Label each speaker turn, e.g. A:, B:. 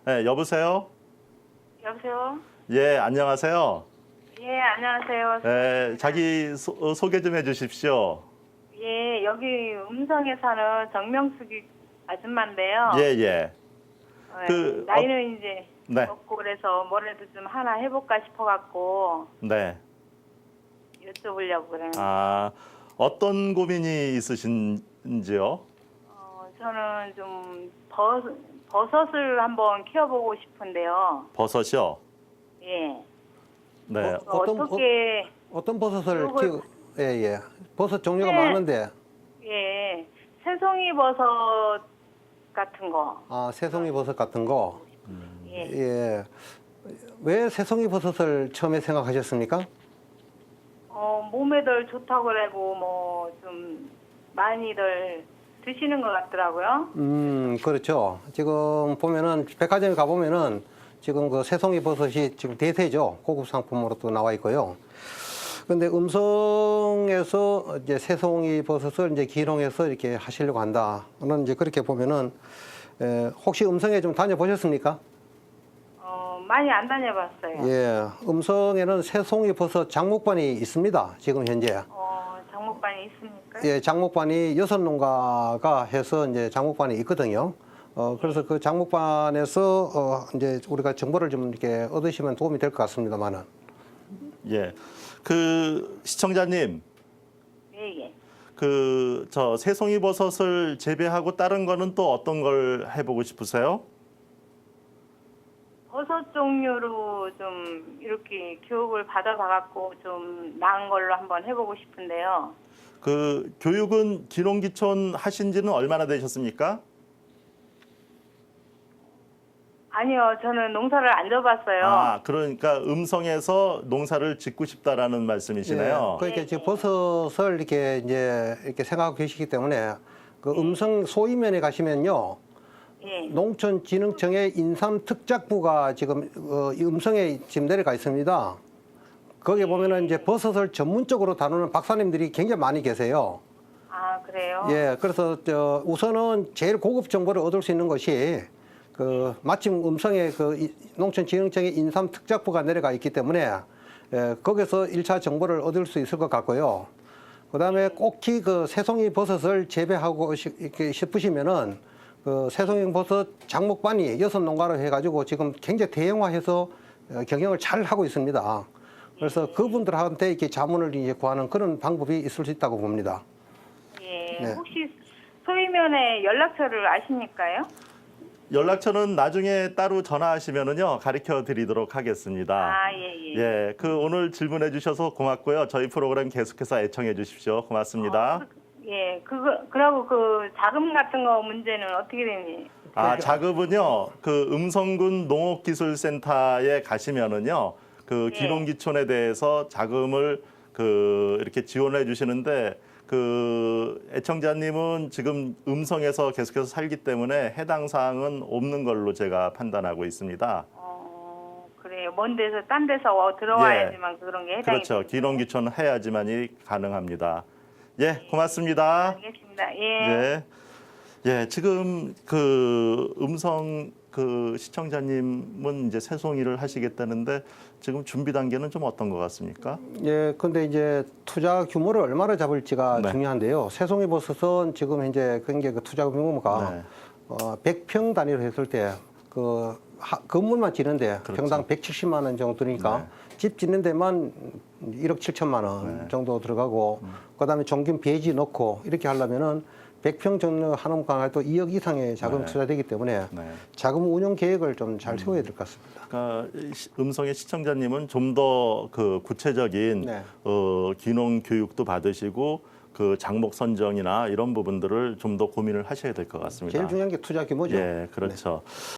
A: 네, 여보세요?
B: 여보세요?
A: 예, 안녕하세요.
B: 예, 안녕하세요.
A: 네, 자기 소개 좀 해주십시오.
B: 예, 여기 음성에 사는 정명숙이 아줌마인데요.
A: 예, 예.
B: 예, 나이는 이제
A: 네.
B: 먹고 그래서 뭐라도 좀 하나 해볼까 싶어갖고
A: 네.
B: 여쭤보려고 그래요.
A: 아, 어떤 고민이 있으신지요?
B: 저는 좀 버섯을 한번 키워보고 싶은데요.
A: 버섯이요?
B: 예.
A: 네.
C: 어떤 버섯을
B: 요걸-
C: 키우? 예. 버섯 종류가
B: 네.
C: 많은데.
B: 예. 새송이 버섯 같은 거.
C: 아, 새송이 버섯 같은 거.
B: 예.
C: 예. 왜 새송이 버섯을 처음에 생각하셨습니까?
B: 몸에들 좋다고 그러고 뭐 좀 많이들 드시는 것 같더라고요.
C: 그렇죠. 지금 보면은 백화점에 가보면은 지금 그 새송이 버섯이 지금 대세죠. 고급 상품으로 또 나와 있고요. 근데 음성에서 이제 새송이 버섯을 이제 기농해서 이렇게 하시려고 한다는 이제 그렇게 보면은 혹시 음성에 좀 다녀보셨습니까?
B: 많이 안 다녀봤어요.
C: 예, 음성에는 새송이 버섯 장목반이 있습니다. 지금 현재.
B: 장목반이 있습니까?
C: 예, 장목반이 6농가가 해서 이제 장목반이 있거든요. 그래서 그 장목반에서 이제 우리가 정보를 좀 이렇게 얻으시면 도움이 될 것 같습니다만은.
A: 예. 그 시청자님,
B: 예.
A: 저 새송이 버섯을 재배하고 다른 거는 또 어떤 걸 해보고 싶으세요?
B: 버섯 종류로 좀 이렇게 교육을 받아봐갖고 좀 나은 걸로 한번 해보고 싶은데요.
A: 그 교육은 기농기촌 하신 지는 얼마나 되셨습니까?
B: 아니요, 저는 농사를 안 져봤어요.
A: 아, 그러니까 음성에서 농사를 짓고 싶다라는 말씀이시네요.
C: 예, 그러니까 지금 버섯을 이렇게 이제 이렇게 생각하고 계시기 때문에 그 음성 소이면에 가시면요.
B: 예.
C: 농촌진흥청의 인삼특작부가 지금 이 음성에 지금 내려가 있습니다. 거기에 보면은 이제 버섯을 전문적으로 다루는 박사님들이 굉장히 많이 계세요.
B: 아, 그래요?
C: 예, 그래서 우선은 제일 고급 정보를 얻을 수 있는 것이 마침 음성에 농촌진흥청의 인삼특작부가 내려가 있기 때문에 거기서 1차 정보를 얻을 수 있을 것 같고요. 그다음에 꼭히 그 새송이 버섯을 재배하고 싶으시면은 그 새송이 버섯 장목반이 6농가로 해가지고 지금 굉장히 대형화해서 경영을 잘 하고 있습니다. 그래서 그분들한테 이렇게 자문을 이제 구하는 그런 방법이 있을 수 있다고 봅니다.
B: 예.
C: 네.
B: 혹시 소이면의 연락처를 아십니까요?
A: 연락처는 나중에 따로 전화하시면은요 가르쳐 드리도록 하겠습니다.
B: 아, 예.
A: 예, 오늘 질문해 주셔서 고맙고요. 저희 프로그램 계속해서 애청해 주십시오. 고맙습니다.
B: 예, 그러고 그 자금 같은 거 문제는 어떻게 되니?
A: 아, 자급은요. 그 음성군 농업기술센터에 가시면은요. 그
B: 예.
A: 기농기촌에 대해서 자금을 이렇게 지원해 주시는데 그 애청자님은 지금 음성에서 계속해서 살기 때문에 해당 사항은 없는 걸로 제가 판단하고 있습니다.
B: 그래요. 먼 데서 딴 데서 들어와야지만 그런 게 해당이
A: 그렇죠.
B: 되는군요.
A: 기농기촌 해야지만이 가능합니다. 예, 고맙습니다.
B: 알겠습니다. 예.
A: 예. 예, 지금 그 음성 그 시청자님은 이제 새송이를 하시겠다는데 지금 준비 단계는 좀 어떤 것 같습니까?
C: 예, 근데 이제 투자 규모를 얼마나 잡을지가
A: 네.
C: 중요한데요. 새송이 버섯은 지금 현재 굉장히 그 투자 규모가
A: 네.
C: 100평 단위로 했을 때 건물만 짓는데
A: 그렇죠.
C: 평당 170만 원 정도 드니까 집 짓는 데만 1억 7천만 원 정도 들어가고 그다음에 종균 배지 넣고 이렇게 하려면은 100평 정도 하는 강화도 2억 이상의 자금이 투자되기 때문에 자금 운용 계획을 좀 잘 세워야 될 것 같습니다.
A: 그러니까 음성의 시청자님은 좀 더 그 구체적인 기농 교육도 받으시고 그 장목 선정이나 이런 부분들을 좀 더 고민을 하셔야 될 것 같습니다.
C: 제일 중요한 게 투자 규모죠.
A: 예, 그렇죠.